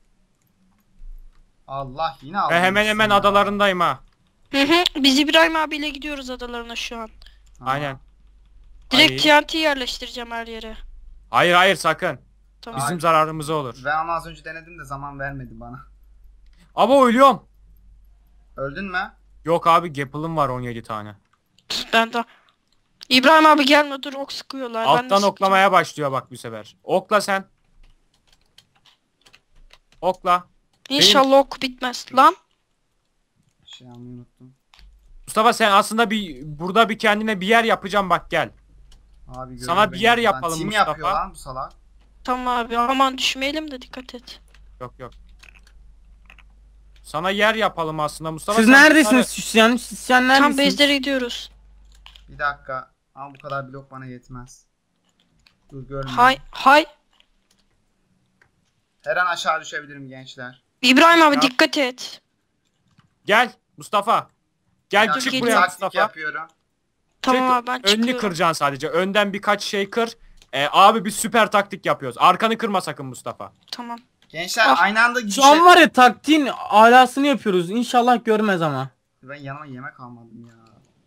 Speaker 2: Allah yine aldım.
Speaker 3: Ben hemen
Speaker 2: ya.
Speaker 3: adalarındayım ha.
Speaker 4: Hı hı. Biz İbrahim abiyle gidiyoruz adalarına şu an.
Speaker 2: Tamam.
Speaker 3: Aynen.
Speaker 4: Direkt
Speaker 3: Hayır.
Speaker 4: TNT yerleştireceğim her yere.
Speaker 3: Hayır sakın.
Speaker 4: Tamam.
Speaker 3: Bizim zararımıza olur.
Speaker 2: Ben onu az önce denedim de zaman vermedi bana.
Speaker 3: Ama ölüyorum.
Speaker 2: Öldün mü?
Speaker 3: Yok abi Gapple'ım var 17 tane.
Speaker 4: Ben de. İbrahim abi gelme dur ok sıkıyorlar. Ben de
Speaker 3: Alttan
Speaker 4: sıkacağım.
Speaker 3: oklamaya başlıyor bak bu sefer. Okla sen. Okla.
Speaker 4: İnşallah ok bitmez. Lan.
Speaker 2: Şey almayı unuttum.
Speaker 3: Mustafa sen aslında burada bir kendine bir yer yapacağım bak gel.
Speaker 2: Abi görüyor
Speaker 3: Sana bir
Speaker 2: beni.
Speaker 3: yer
Speaker 2: Lan
Speaker 3: yapalım
Speaker 2: Tim
Speaker 3: Mustafa.
Speaker 2: yapıyor lan bu salak.
Speaker 4: Tamam abi aman düşmeyelim de dikkat et.
Speaker 3: Yok. Sana yer yapalım aslında Mustafa.
Speaker 5: Siz
Speaker 3: sen
Speaker 5: neredesiniz Süsyan? Süsyan
Speaker 4: Tam
Speaker 5: neredesiniz?
Speaker 4: bezlere gidiyoruz.
Speaker 2: Bir dakika. Ama bu kadar blok bana yetmez. Dur görmüyorum.
Speaker 4: Hay.
Speaker 2: Her an aşağı düşebilirim gençler.
Speaker 4: İbrahim abi
Speaker 3: Ya.
Speaker 4: dikkat et.
Speaker 3: Gel Mustafa.
Speaker 2: Bir
Speaker 3: Gel
Speaker 2: dakika,
Speaker 3: çık
Speaker 2: bir
Speaker 3: buraya
Speaker 2: taktik
Speaker 3: Mustafa.
Speaker 2: yapıyorum.
Speaker 4: Tamam
Speaker 3: Çık,
Speaker 4: abi ben
Speaker 3: önünü
Speaker 4: çıkıyorum.
Speaker 3: kıracaksın sadece. Önden birkaç şey kır. Abi bir süper taktik yapıyoruz. Arkanı kırma sakın Mustafa.
Speaker 4: Tamam.
Speaker 2: Gençler
Speaker 4: Ah,
Speaker 2: aynı anda
Speaker 5: Şu an
Speaker 2: gidecek.
Speaker 5: var ya taktiğin alasını yapıyoruz. İnşallah görmez ama.
Speaker 2: Ben yanıma yemek almadım ya.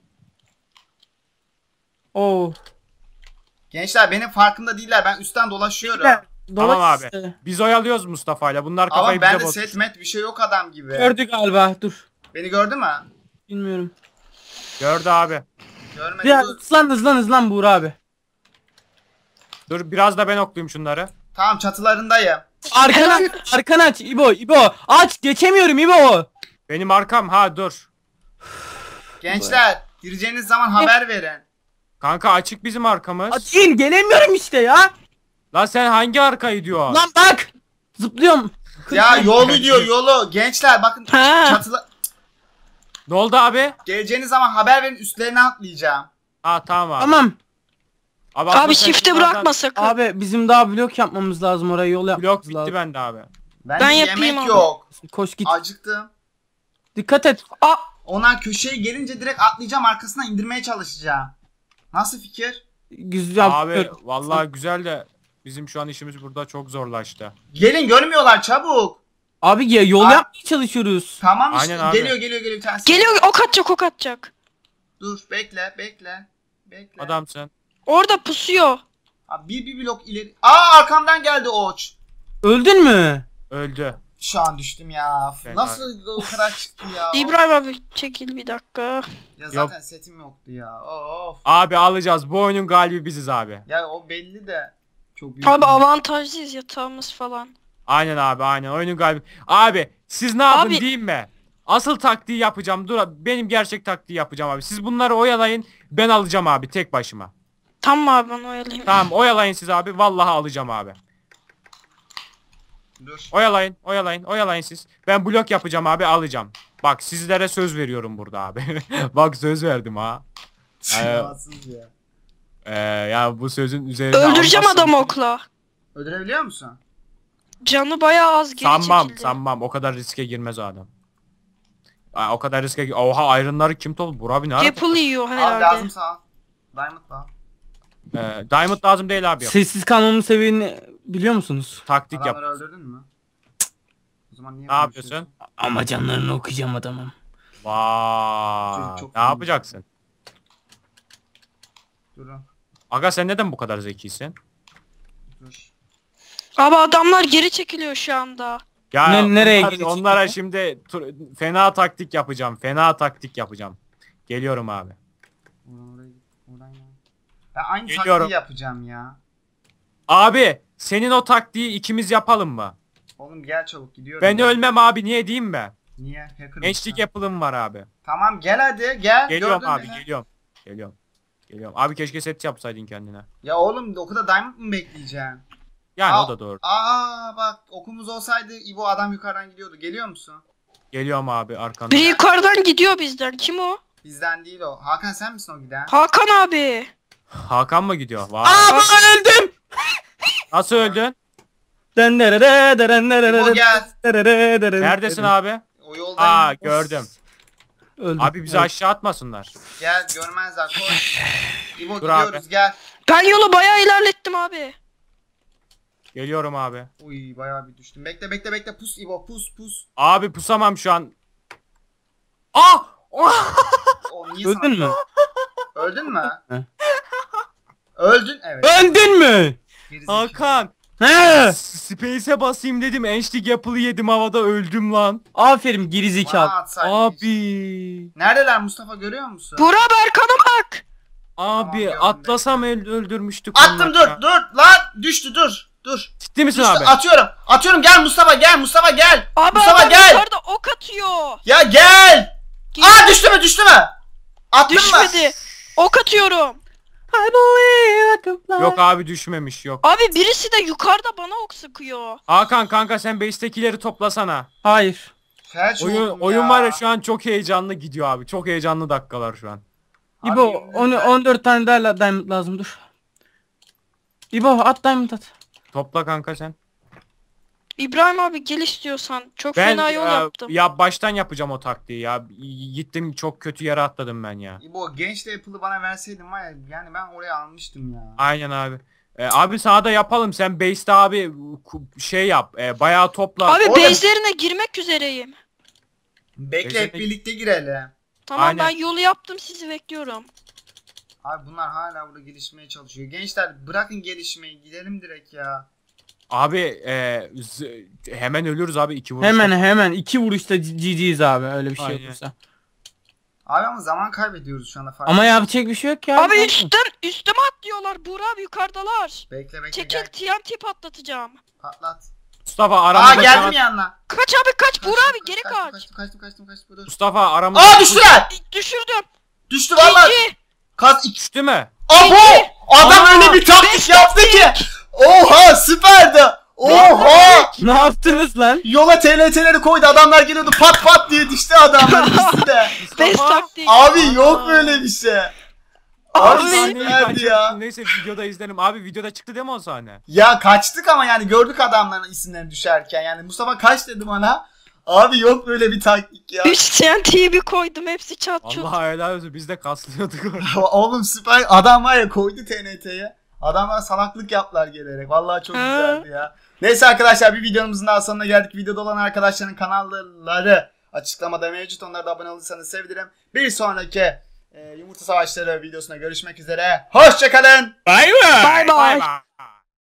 Speaker 5: Oo.
Speaker 2: Gençler benim farkında değiller. Ben üstten dolaşıyorum.
Speaker 3: Tamam abi.
Speaker 5: işte.
Speaker 3: Biz oyalıyoruz Mustafa'yla. Bunlar kafayı
Speaker 2: Ama bende
Speaker 3: bize bozdu.
Speaker 2: set met bir şey yok adam gibi.
Speaker 5: Gördü galiba. Dur.
Speaker 2: Beni gördü mü?
Speaker 5: Bilmiyorum.
Speaker 3: Gördü abi.
Speaker 2: Görmedi.
Speaker 5: Biraz
Speaker 2: Dur.
Speaker 5: hızlan Buğra abi.
Speaker 3: Dur biraz da ben oklayayım şunları.
Speaker 2: Tamam çatılarındayım.
Speaker 5: Arkana aç İbo. Aç geçemiyorum İbo.
Speaker 3: Benim arkam ha dur.
Speaker 2: Gençler gireceğiniz zaman haber verin.
Speaker 3: Kanka açık bizim arkamız.
Speaker 5: Açayım gelemiyorum işte ya.
Speaker 3: Lan sen hangi arkayı diyor?
Speaker 5: Lan bak. Zıplıyorum.
Speaker 2: Ya yolu diyor yolu. Gençler bakın
Speaker 4: Ha.
Speaker 2: çatıla...
Speaker 3: Ne oldu abi?
Speaker 2: Geleceğiniz zaman haber verin üstlerine atlayacağım.
Speaker 3: Ha tamam abi.
Speaker 5: Tamam.
Speaker 3: Abi, aslında
Speaker 4: Abi
Speaker 3: sen
Speaker 4: shift'e
Speaker 3: bunlardan-
Speaker 4: bırakma sakın.
Speaker 5: Abi bizim daha blok yapmamız lazım oraya yol
Speaker 3: Blok
Speaker 5: yapmamız
Speaker 3: bitti
Speaker 5: lazım.
Speaker 3: bende abi.
Speaker 2: Ben
Speaker 4: yapayım
Speaker 2: yemek
Speaker 4: abi.
Speaker 2: yok.
Speaker 5: Koş git.
Speaker 2: Acıktım.
Speaker 5: Dikkat et.
Speaker 4: Aa,
Speaker 2: Onlar köşeye gelince direkt atlayacağım arkasına indirmeye çalışacağım. Nasıl fikir?
Speaker 5: Güzel.
Speaker 3: Abi vallahi güzel de bizim şu an işimiz burada çok zorlaştı.
Speaker 2: Gelin görmüyorlar çabuk.
Speaker 5: Abi ya yol
Speaker 2: Aa.
Speaker 5: yapmaya çalışıyoruz.
Speaker 2: Tamam işte
Speaker 3: Aynen abi.
Speaker 2: geliyor bir tanesi.
Speaker 4: geliyor ok atacak.
Speaker 2: Dur bekle.
Speaker 3: Adamsın.
Speaker 4: Orada pusuyor.
Speaker 2: Abi bir blok ileri. Aa arkamdan geldi oç.
Speaker 5: Öldün mü?
Speaker 3: Öldü.
Speaker 2: Şu an düştüm ya.
Speaker 3: Ben
Speaker 2: Nasıl o kadar çıktı ya?
Speaker 4: İbrahim abi çekil bir dakika.
Speaker 2: Ya zaten setim yoktu ya. Of.
Speaker 3: Abi alacağız. Bu oyunun galibi biziz abi.
Speaker 2: Ya o belli de. Çok büyük.
Speaker 4: Abi avantajlıyız yatağımız falan.
Speaker 3: Aynen abi aynen. Oyunun galibi. Abi siz ne yapın
Speaker 4: Abi-
Speaker 3: diyeyim mi? Asıl taktiği yapacağım. Dur abi, benim gerçek taktiği yapacağım abi. Siz bunları oyalayın. Ben alacağım abi tek başıma.
Speaker 4: Tamam abi ben oyalayayım.
Speaker 3: Tamam oyalayın siz abi. Vallahi alacağım abi.
Speaker 2: Dur.
Speaker 3: Oyalayın siz. Ben blok yapacağım abi alacağım. Bak sizlere söz veriyorum burada abi. Bak söz verdim ha.
Speaker 2: Rahatsız ya.
Speaker 3: Ya bu sözün üzerine
Speaker 4: Öldüreceğim
Speaker 3: almazsın.
Speaker 4: adamı okla.
Speaker 2: Öldürebiliyor musun?
Speaker 4: Canı bayağı az geri çekildi.
Speaker 3: Sanmam. O kadar riske girmez o adam. O kadar riske... Oha iron'ları kim topladı? Burak abi ne ara-
Speaker 4: Apple yiyor
Speaker 2: Abi
Speaker 4: herhalde.
Speaker 2: lazım sağ ol. Diamond da.
Speaker 3: Diamond lazım değil abi.
Speaker 5: Sessiz kalmamın seviyeni biliyor musunuz?
Speaker 3: Taktik yap.
Speaker 2: Adamları öldürdün mü? O zaman niye
Speaker 3: Ne yapıyorsun?
Speaker 5: Ama canlarını okuyacağım adamım.
Speaker 3: Vay.
Speaker 2: Çocuk çok
Speaker 3: Ne
Speaker 2: iyi.
Speaker 3: yapacaksın?
Speaker 2: Durun.
Speaker 3: Aga sen neden bu kadar zekisin?
Speaker 2: Dur.
Speaker 4: Abi adamlar geri çekiliyor şu anda.
Speaker 3: Ya
Speaker 5: Nereye
Speaker 3: onlar-
Speaker 5: gidecek
Speaker 3: onlara
Speaker 5: ya?
Speaker 3: şimdi fena taktik yapacağım. Fena taktik yapacağım. Geliyorum abi.
Speaker 2: Oradan oraya git. Oradan ya. Ben aynı
Speaker 3: Geliyorum.
Speaker 2: taktiği yapacağım ya.
Speaker 3: Abi senin o taktiği ikimiz yapalım mı?
Speaker 2: Oğlum gel çabuk gidiyorum.
Speaker 3: Ben
Speaker 2: ya.
Speaker 3: ölmem abi, niye diyeyim mi?
Speaker 2: Niye? Hacker
Speaker 3: Gençlik
Speaker 2: mısın?
Speaker 3: yapılım var abi.
Speaker 2: Tamam gel hadi gel.
Speaker 3: Geliyorum
Speaker 2: Gördün
Speaker 3: abi,
Speaker 2: beni.
Speaker 3: geliyorum. Geliyorum. Geliyorum. Abi keşke set yapsaydın kendine.
Speaker 2: Ya oğlum okulda diamond mı bekleyeceksin?
Speaker 3: Yani
Speaker 2: Aa,
Speaker 3: o da doğru.
Speaker 2: Aa bak okumuz olsaydı İbo adam yukarıdan gidiyordu. Geliyor musun?
Speaker 3: Geliyorum abi arkandan.
Speaker 4: Biri yukarıdan gidiyor bizden. Kim o?
Speaker 2: Bizden değil o. Hakan sen misin o giden?
Speaker 4: Hakan abi.
Speaker 3: Hakan mı gidiyor? Vay.
Speaker 5: Aa ben öldüm.
Speaker 3: Nasıl öldün?
Speaker 2: İbo gel.
Speaker 3: Neredesin abi?
Speaker 2: O yoldayım.
Speaker 3: Aa gördüm.
Speaker 5: Öldüm.
Speaker 3: Abi bizi aşağı atmasınlar.
Speaker 2: Gel görmezler koş. İbo
Speaker 3: Dur
Speaker 2: gidiyoruz
Speaker 3: abi.
Speaker 2: gel.
Speaker 4: Ben yolu bayağı ilerlettim abi.
Speaker 3: Geliyorum abi.
Speaker 2: Uy bayağı bir düştüm. Bekle bekle bekle pus İbo pus.
Speaker 3: Abi pusamam şu an. Ah! Oh!
Speaker 2: O niye
Speaker 5: Öldün
Speaker 2: sana-
Speaker 5: mü?
Speaker 2: Öldün mü?
Speaker 5: He.
Speaker 2: Öldün evet.
Speaker 5: Öldün mü?
Speaker 2: Gerizekalı.
Speaker 3: Hakan.
Speaker 5: He.
Speaker 3: Space'e basayım dedim. Ençlik yapılı yedim havada, öldüm lan.
Speaker 5: Aferin
Speaker 2: Bana
Speaker 5: gerizekalı.
Speaker 2: atsaydın.
Speaker 3: Abi.
Speaker 2: Neredeler Mustafa görüyor musun?
Speaker 4: Burak Berkan'a bak.
Speaker 3: Abi
Speaker 2: gördüm
Speaker 3: atlasam öldürmüştük.
Speaker 2: Attım
Speaker 3: onları ya.
Speaker 2: dur lan düştü dur.
Speaker 3: Ciddi misin
Speaker 2: Düştü,
Speaker 3: abi?
Speaker 2: atıyorum gel Mustafa gel.
Speaker 4: Abi
Speaker 2: Mustafa
Speaker 4: adam
Speaker 2: gel.
Speaker 4: yukarıda ok atıyor.
Speaker 2: Ya gel. Aa düştü mü? Attın mı?
Speaker 4: Düşmedi. Ok atıyorum.
Speaker 5: I believe I can fly.
Speaker 3: Yok abi düşmemiş, yok.
Speaker 4: Abi birisi de yukarıda bana ok sıkıyor.
Speaker 3: Hakan kanka sen base'tekileri toplasana.
Speaker 5: Hayır.
Speaker 2: Felç oldum
Speaker 3: Oyun var ya şu an çok heyecanlı gidiyor abi. Çok heyecanlı dakikalar şu an.
Speaker 2: Abi,
Speaker 5: İbo
Speaker 2: yemin ederim.
Speaker 5: 14 tane daha diamond lazım dur. İbo at diamond at.
Speaker 3: Topla kanka sen.
Speaker 4: İbrahim abi gel istiyorsan. Çok
Speaker 3: Ben
Speaker 4: fena yol yaptım.
Speaker 3: ya baştan yapacağım o taktiği ya. Gittim çok kötü yere atladım ben ya.
Speaker 2: İbo genç de Apple'ı bana verseydin var ya yani ben oraya almıştım ya.
Speaker 3: Aynen abi. Abi sana da yapalım. Sen base'te abi şey yap. Bayağı topla.
Speaker 4: Abi
Speaker 2: Oğlum-
Speaker 4: base'lerine girmek üzereyim.
Speaker 2: Bekle hep
Speaker 3: Bezirme-
Speaker 2: birlikte girelim.
Speaker 4: Tamam
Speaker 3: Aynen.
Speaker 4: ben yolu yaptım sizi bekliyorum.
Speaker 2: Abi bunlar hala burada gelişmeye çalışıyor. Gençler bırakın gelişmeyi gidelim direkt ya.
Speaker 3: Abi hemen ölürüz abi 2 vuruş.
Speaker 5: Hemen 2 vuruşta GG'yiz abi öyle bir şey
Speaker 3: Aynen.
Speaker 5: olursa.
Speaker 2: Abi ama zaman kaybediyoruz şu anda fark.
Speaker 5: Ama yapacak bir şey yok ya.
Speaker 4: Abi üstüme atlıyorlar. Burak abi yukarıdalar.
Speaker 2: Bekle
Speaker 4: Çekil
Speaker 2: gel.
Speaker 4: TNT patlatacağım.
Speaker 2: Patlat.
Speaker 3: Mustafa
Speaker 2: Aa
Speaker 3: aramızda şu
Speaker 2: geldim
Speaker 3: an-
Speaker 2: yanına.
Speaker 4: Kaç abi kaç Burak abi geri kaç.
Speaker 2: Kaçtım dur.
Speaker 3: Mustafa aramızda.
Speaker 2: Aa düştüler.
Speaker 4: Düşürdüm.
Speaker 2: Düştü vallahi.
Speaker 4: İki.
Speaker 3: Düştü mü?
Speaker 2: Abo! Adam
Speaker 3: Aa,
Speaker 2: öyle bir taktik
Speaker 4: beş
Speaker 2: yaptı ki. Oha süperdi. Oha!
Speaker 5: Ne yaptınız lan?
Speaker 2: Yola TNT'leri koydu. Adamlar geliyordu pat diye düştü adamlar ikisi de.
Speaker 4: Best
Speaker 3: Mustafa.
Speaker 4: taktik.
Speaker 2: Abi yok böyle bir şey. Abi
Speaker 3: O sahneyi
Speaker 2: süperdi
Speaker 3: kaçırdım.
Speaker 2: ya.
Speaker 3: Neyse videoda izlerim. Abi videoda çıktı değil mi o sahne?
Speaker 2: Ya kaçtık ama yani gördük adamların isimlerini düşerken. Yani Mustafa kaç dedi bana. Abi yok böyle bir taktik ya.
Speaker 4: 3 TNT'yi bir koydum hepsi çat çut.
Speaker 3: Allah helal olsun, biz de kaslıyorduk orada.
Speaker 2: Oğlum süper. Adam var ya koydu TNT'ye. Adamlar salaklık yaptılar gelerek. Vallahi çok
Speaker 4: Ha.
Speaker 2: güzeldi ya. Neyse arkadaşlar bir videomuzun daha sonuna geldik. Videoda olan arkadaşların kanalları açıklamada mevcut. Onlara da abone olursanız sevinirim. Bir sonraki Yumurta Savaşları videosuna görüşmek üzere. Hoşçakalın.
Speaker 5: Bay bay.
Speaker 4: Bye bye.
Speaker 3: Bye bye.